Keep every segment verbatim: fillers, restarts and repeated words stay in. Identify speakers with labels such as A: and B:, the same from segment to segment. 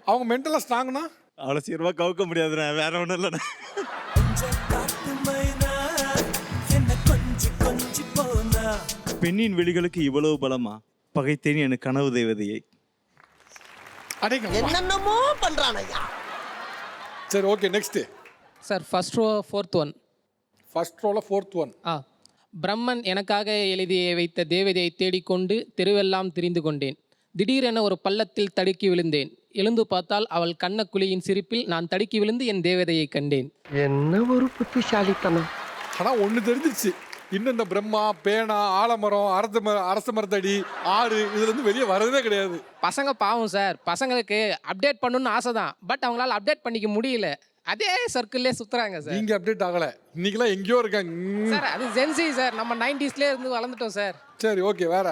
A: அவங்க மென்டலாக ஸ்ட்ராங்னா
B: அவ்வளோ சீக்கிரமாக கவுக்க முடியாதுண்ணே, வேற ஒன்றும் இல்லைண்ணே. பெண்ணின் விழிகளுக்கு இவ்வளவு பலமா? பகைத்தேன் என் கனவு தேவதையை.
C: என்னென்னமோ பண்றான் ஐயா.
A: சரி, okay, next.
D: Sir first row fourth one.
A: First ரோல ஃபோர்த் ஒன்.
D: ஆ பிரம்மன் எனக்காக எழுதி வைத்த தேவதையை தேடிக்கொண்டு தெருவெல்லாம் திரிந்து கொண்டேன். திடீரென ஒரு பள்ளத்தில் தடுக்கி விழுந்தேன். எழுந்து பார்த்தால் அவள் கண்ணக்குழியின் சிரிப்பில் நான் தடுக்கி விழுந்து என் தேவதையை கண்டேன்.
C: என்ன ஒரு புத்திசாலித்தனம்.
A: ஆனால் ஒன்று தெரிஞ்சிருச்சு, இன்னும் இந்த பிரம்மா, பேனா, ஆலமரம், அரச மர அரச மரத்தடி, ஆறு இதுல இருந்து வெளியே வரதே கிடையாது.
D: பசங்க பாவம் சார், பசங்களுக்கு அப்டேட் பண்ணணும்னு ஆசை தான், பட் அவங்களால அப்டேட் பண்ணிக்க முடியல. அதே சர்க்கிள்லே சுத்துறாங்க சார்.
A: நீங்க அப்டேட் ஆகல, இன்னைக்கெல்லாம் எங்கேயோ இருக்காங்க
D: சார். அது ஜென்சி சார், நம்ம நைன்டிஸ்லேயே இருந்து வளர்ந்துட்டோம் சார்.
A: சரி, ஓகே, வேற.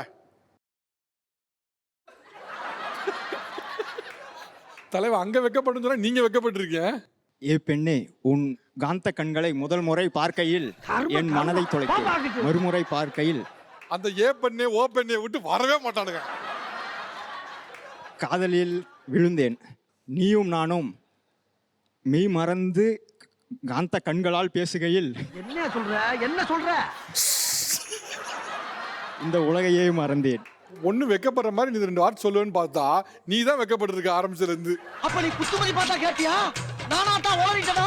A: தலைவா அங்க வைக்கப்படும் சொன்னா நீங்க வைக்கப்பட்டிருக்கீங்க.
E: ஏ பெண்ணே, உன் காந்த கண்களை முதல் முறை பார்க்கையில் என் மனதை தொலைத்தேன். மறுமுறை பார்க்கையில்
A: அந்த ஏ பெண்ணே ஓ பெண்ணே விட்டு வரவே மாட்டானுங்க.
E: காதலில் விழுந்தேன். நீயும் நானும் மெய் மறந்து காந்த கண்களால் பேசுகையில்
C: என்ன சொல்ற என்ன சொல்ற
E: இந்த உலகையே மறந்தேன்.
A: ஒண்ணு வைக்கப்படுற மாதிரி நீ ரெண்டு வார்த்தை சொல்லுவேன்னு பார்த்தா நீ தான் வைக்கப்பட்டிருக்க ஆரம்பிச்சதுல இருந்து.
C: அப்ப நீ குத்துமதி பார்த்தா கேட்டியா? நானா தான் ஓடிட்டடா.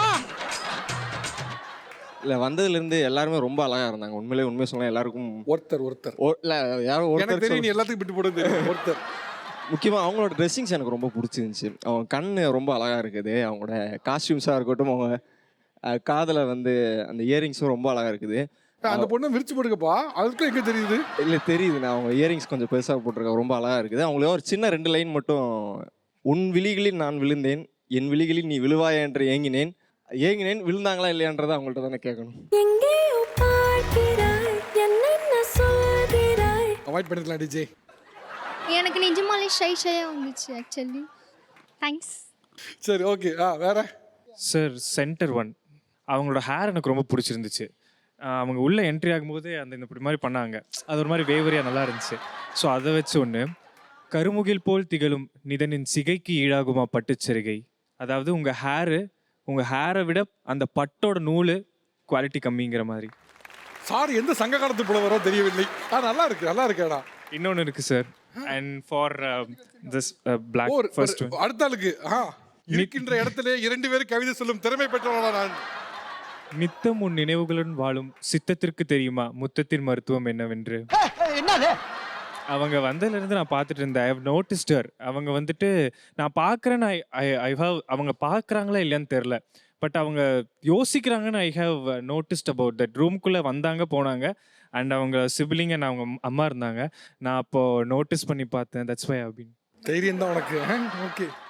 F: இல்ல வந்ததுலேருந்து எல்லாருமே ரொம்ப அழகா இருந்தாங்க. உண்மையிலே உண்மையை சொன்னா எல்லாருக்கும்
A: ஒருத்தர் ஒருத்தர்
F: ஒ- இல்ல யாரும்
A: எனக்கு
F: ஒருத்தர்
A: தெரியும், நீ
F: சொல்ல-
A: எல்லாத்துக்கும் விட்டு போடுறது தெரியும். ஒருத்தர்
F: முக்கியமா அவங்களோட ட்ரெஸ்ஸிங்ஸ் எனக்கு ரொம்ப பிடிச்சிருந்துச்சு. அவங்க கண்ணு ரொம்ப அழகா இருக்குது. அவங்களோட காஸ்டியூம்ஸாக இருக்கட்டும், அவங்க அஹ், காதுல வந்து அந்த இயரிங்ஸும் ரொம்ப அழகா இருக்குது.
A: அந்த பொண்ணு விரிச்சு போடுங்கப்பா, அதுக்கும் எங்க தெரியுது?
F: இல்லை தெரியுது, நான் அவங்க இயரிங்ஸ் கொஞ்சம் பெருசாக போட்டிருக்காங்க, ரொம்ப அழகா இருக்குது. அவங்களே ஒரு சின்ன ரெண்டு லைன் மட்டும், உன் விழிகளில் நான் விழுந்தேன், என் விழிகளில் நீ விழுவாயா என்று ஏங்கினேன். ஏங்கினேன் விழுந்தாங்களா இல்லையான்றதை அவங்கள்ட்ட தானே கேட்கணும்.
A: அவாய்ட் பண்ணிக்கலாம் டிஜே.
G: எனக்கு நிஜமாலே ஷை ஷையாக வந்துச்சு ஆக்சுவலி. தேங்க்ஸ்.
A: சரி, ஓகே, ஆ வேற.
H: சார் சென்டர் ஒன், அவங்களோட ஹேர் எனக்கு ரொம்ப பிடிச்சிருந்துச்சு. ஆஹ் அவங்க உள்ளே என்ட்ரி ஆகும்போது அந்த இந்த இப்படி மாதிரி பண்ணாங்க, அது ஒரு மாதிரி வேவரியாக நல்லா இருந்துச்சு. ஸோ அதை வச்சு ஒன்று, கருமுகில் போல் திகழும் நிதனின் சிகைக்கு ஈடாகுமா பட்டுச்சரிகை. அதாவது உங்கள் ஹேரு, உங்கள் ஹேரை விட அந்த பட்டோட நூல் குவாலிட்டி கம்மிங்கிற மாதிரி.
A: சாரி, எந்த சங்க காலத்து புலவரோ தெரியவில்லை. ஆ நல்லா இருக்கு, நல்லா இருக்கேடா.
H: இன்னொன்று இருக்குது sir, and for this block
A: ஒரு
H: ஃபர்ஸ்ட்
A: ஒரு- அடுத்த ஆளுக்கு ஆ இருக்கின்ற இடத்திலே இரண்டு பேரும் கவிதை சொல்லும் திறமை பெற்றவனா நான்.
H: நித்தம் உன் நினைவுகளுடன் வாழும் சித்தத்திற்கு தெரியுமா முத்தத்தின் மருத்துவம் என்னவென்று.
C: என்னது
H: அவங்க வந்ததுலேருந்து நான் பார்த்துட்டு இருந்தேன். I have noticed. அவங்க வந்துட்டு நான் பார்க்குறேன்னு ஐ ஐ ஐ ஹவ் அவங்க பார்க்குறாங்களா இல்லையான்னு தெரில, பட் அவங்க யோசிக்கிறாங்கன்னு I have noticed about that. ரூம்குள்ளே வந்தாங்க போனாங்க, அண்ட் அவங்க சிபிலிங் அண்ட் அவங்க அம்மா இருந்தாங்க. நான் அப்போது நோட்டீஸ் பண்ணி பார்த்தேன். தட்ஸ் வை அப்படின்னு.
A: தைரியம் தான் உனக்கு. ஓகே,